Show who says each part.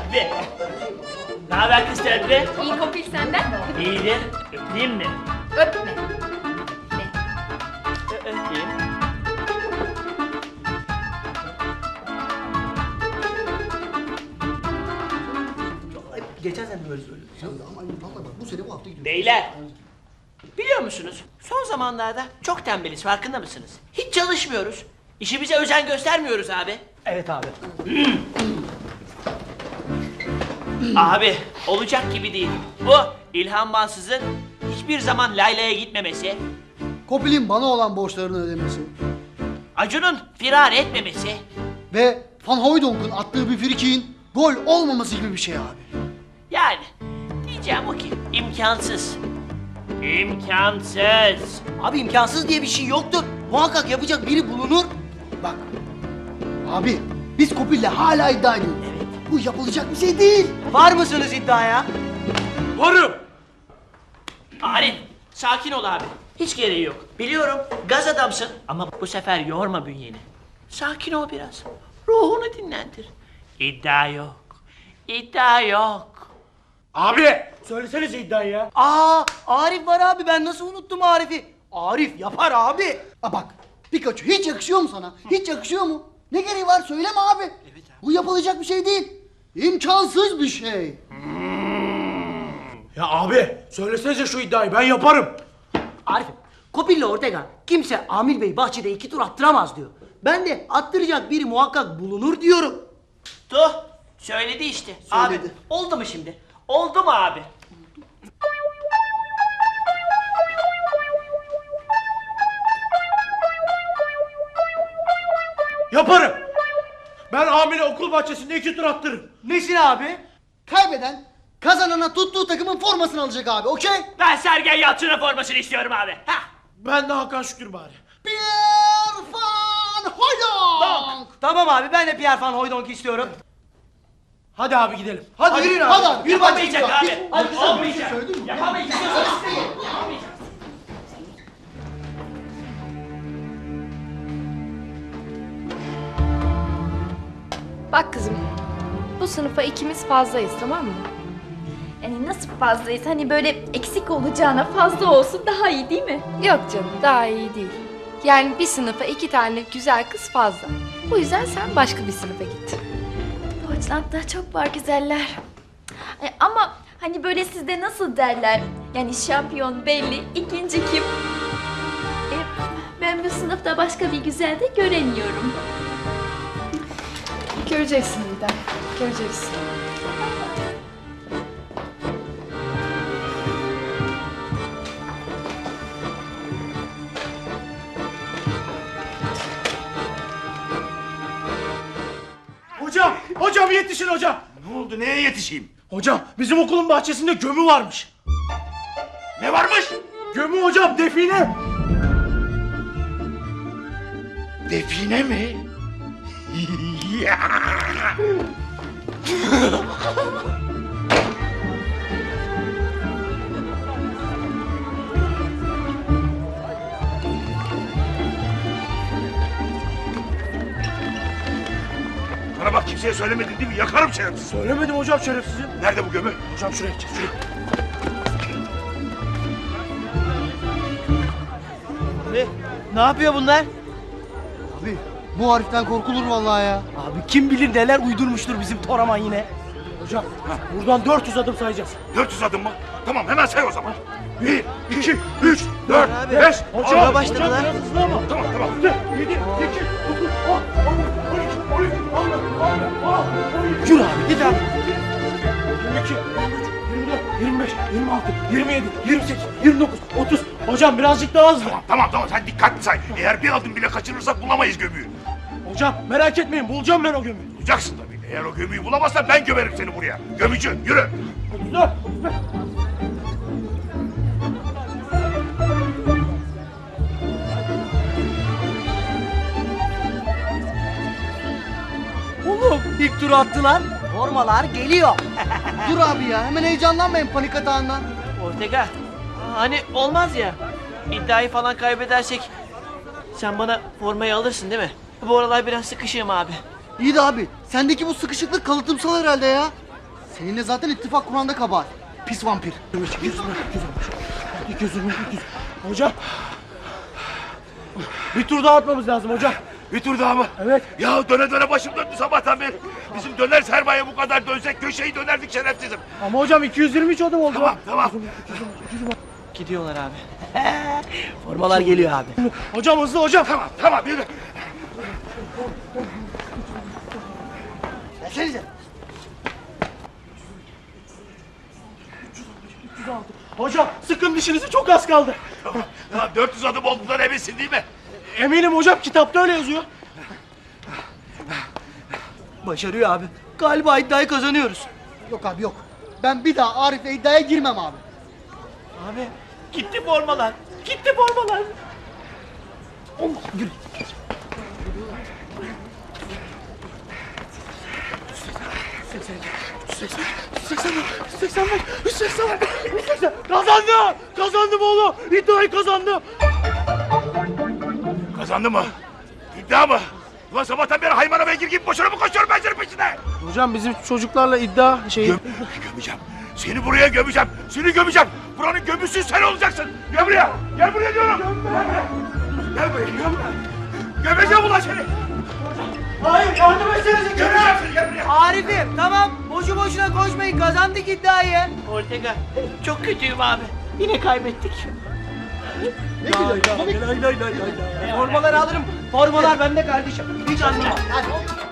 Speaker 1: Be. Ne haber kız Terbi?
Speaker 2: İyi Kopil senden.
Speaker 1: İyidir. Öpeyim mi?
Speaker 2: Öpme.
Speaker 1: Öpeyim.
Speaker 3: Geçen sene böyle söylüyordun. Ama vallahi bu sene bu hafta gidiyor.
Speaker 1: Beyler. Biliyor musunuz? Son zamanlarda çok tembeliz, farkında mısınız? Hiç çalışmıyoruz. İşimize özen göstermiyoruz abi.
Speaker 3: Evet abi.
Speaker 1: Abi, olacak gibi değil. Bu İlhan Mansız'ın hiçbir zaman Layla'ya gitmemesi,
Speaker 4: Kopil'in bana olan borçlarını ödemesi
Speaker 1: Acun'un firar etmemesi,
Speaker 4: ve Van Hooydonk'un attığı bir frikiğin gol olmaması gibi bir şey abi.
Speaker 1: yani diyeceğim o ki imkansız. İmkansız.
Speaker 3: Abi imkansız diye bir şey yoktur. Muhakkak yapacak biri bulunur.
Speaker 4: Bak, abi biz Kopil'le hala iddia ediyoruz. Evet. Bu yapılacak bir şey değil.
Speaker 3: Var mısınız iddiaya?
Speaker 1: Varım. Arif, sakin ol abi. Hiç gereği yok. Biliyorum, gaz adamsın ama bu sefer yorma bünyeni. Sakin ol biraz. Ruhunu dinlendir. İddia yok. İddia yok.
Speaker 5: Abi söylesenize iddiayı ya.
Speaker 3: Aa, Arif var abi, ben nasıl unuttum Arif'i? Arif yapar abi.
Speaker 4: Bak, Pikachu hiç yakışıyor mu sana? Hiç yakışıyor mu? Ne gereği var söyleme abi. Evet abi. Bu yapılacak bir şey değil. İmkansız bir şey.
Speaker 5: Ya abi söylesenize şu iddiayı ben yaparım.
Speaker 3: Arif'im, Kopil'le Ortega kimse Amil Bey bahçede 2 tur attıramaz diyor. Ben de attıracak biri muhakkak bulunur diyorum.
Speaker 1: Tuh, söyledi işte.
Speaker 4: Söyledi.
Speaker 1: Abi, oldu mu şimdi? Oldu mu abi?
Speaker 5: Yaparım. Ben Amil'e okul bahçesinde 2 tur attırırım.
Speaker 3: Nesin abi?
Speaker 4: Kaybeden kazanana tuttuğu takımın formasını alacak abi, okey?
Speaker 1: Ben Sergen Yalçın'ın formasını istiyorum abi. Hah.
Speaker 5: Ben de Hakan Şükür bari.
Speaker 4: Pierre Van Hooijdonk!
Speaker 3: Tamam abi, ben de Pierre Van Hooijdonk'u istiyorum.
Speaker 5: Hadi abi gidelim. Hadi, yürüyün abi.
Speaker 4: Hadi abi, yürü bahçeye
Speaker 1: Yapamayacak
Speaker 4: gidiyor.
Speaker 1: abi.
Speaker 4: Hiç- Hadi
Speaker 1: Olmayacak.
Speaker 4: söyledin mi?
Speaker 1: Yapamayacak. Yapamayacak.
Speaker 2: Bak kızım, bu sınıfa ikimiz fazlayız, tamam mı?
Speaker 6: Yani nasıl fazlayız? Hani böyle eksik olacağına fazla olsun daha iyi değil mi?
Speaker 2: Yok canım, daha iyi değil. Yani bir sınıfa 2 tane güzel kız fazla. Bu yüzden sen başka bir sınıfa git.
Speaker 6: Deutschland'da çok var güzeller. Ama hani böyle sizde nasıl derler? Yani şampiyon belli, ikinci kim? Ben bu sınıfta başka bir güzel de göremiyorum.
Speaker 2: Göreceksin Didem, göreceksin.
Speaker 5: Hocam yetişin hocam.
Speaker 7: Ne oldu? Neye yetişeyim?
Speaker 5: Hocam bizim okulun bahçesinde gömü varmış.
Speaker 7: Ne varmış?
Speaker 5: Gömü hocam, define.
Speaker 7: Define mi? Bana bak, kimseye söylemedin değil mi? Yakarım şerefsiz.
Speaker 5: Söylemedim hocam şerefsizim.
Speaker 7: Nerede bu gömü?
Speaker 5: Hocam şuraya gideceğiz, şuraya.
Speaker 3: Ne yapıyor bunlar?
Speaker 4: Abi bu Arif'ten korkulur vallahi ya.
Speaker 3: Abi kim bilir neler uydurmuştur bizim Toraman yine.
Speaker 5: Hocam buradan 400 adım sayacağız.
Speaker 7: 400 adım mı? Tamam, hemen say o zaman. 1, 2, 3, 4,
Speaker 3: Abi,
Speaker 7: 5.
Speaker 3: hocam başladılar.
Speaker 5: Biraz hızlı ama.
Speaker 7: Tamam, tamam.
Speaker 5: 7, 8, 9, 10, 11, 12, 13, 14,
Speaker 3: Yürü abi, git abi.
Speaker 5: 22, 23, 24, 25, 26, 27, 28, 29, 30. Hocam birazcık daha hızlı.
Speaker 7: Tamam, sen dikkatli say. Eğer bir adım bile kaçırırsak bulamayız gömüyü.
Speaker 5: Hocam merak etmeyin, bulacağım ben o gömüyü.
Speaker 7: Bulacaksın tabii. Eğer o gömüyü bulamazsan ben gömerim seni buraya. Gömücü, yürü.
Speaker 5: 34, 35.
Speaker 3: Oğlum ilk turu attılar. Formalar geliyor.
Speaker 4: Dur abi ya, hemen heyecanlanmayın panik atağından.
Speaker 1: Ortega, hani olmaz ya. İddiayı falan kaybedersek sen bana formayı alırsın değil mi? Bu aralar biraz sıkışığım abi.
Speaker 4: İyi de abi, sendeki bu sıkışıklık kalıtımsal herhalde ya. Seninle zaten ittifak kuranda kabahat. Pis vampir.
Speaker 5: Hocam. Bir tur daha atmamız lazım hocam.
Speaker 7: Bir tur daha mı?
Speaker 5: Evet.
Speaker 7: Ya döne döne başım döndü sabahtan beri. Bizim döner sermaye bu kadar dönsek köşeyi dönerdik şerefsizim.
Speaker 5: Ama hocam 223 adım oldu.
Speaker 7: Tamam tamam.
Speaker 1: Gidiyorlar abi. Formalar geliyor abi.
Speaker 5: Hocam hızlı hocam.
Speaker 7: Tamam tamam yürü.
Speaker 3: Gelsenize.
Speaker 5: Hocam sıkın dişinizi, çok az kaldı.
Speaker 7: Tamam 400 adım olduğundan eminsin değil mi?
Speaker 5: Eminim hocam, kitapta öyle yazıyor.
Speaker 3: Başarıyor abi. Galiba iddiayı kazanıyoruz.
Speaker 4: Yok abi yok. Ben bir daha Arif'le iddiaya girmem abi.
Speaker 5: Abi gitti formalar. Gitti formalar. Kazandı! Kazandım oğlum! İddiayı kazandım!
Speaker 7: Kazandı mı? İddia mı? Ulan sabahtan beri haymana beygir gibi boşuna mı koşuyorum ben senin peşine?
Speaker 5: Hocam bizim çocuklarla iddia şeyi...
Speaker 7: Gömeceğim. Seni buraya gömeceğim. Seni gömeceğim. Buranın gömüsü sen olacaksın. Gel buraya. Gel buraya diyorum. Gel buraya. Gömeceğim ulan seni.
Speaker 5: Hayır, yardım etsenize!
Speaker 7: Gömeceğim seni. Gel buraya.
Speaker 3: Arif'im tamam boşu boşuna koşmayın kazandık iddiayı.
Speaker 1: Ortega çok kötüyüm abi. Yine kaybettik.
Speaker 3: Formaları alırım. Formalar bende kardeşim. Hiç anlamam. Hadi.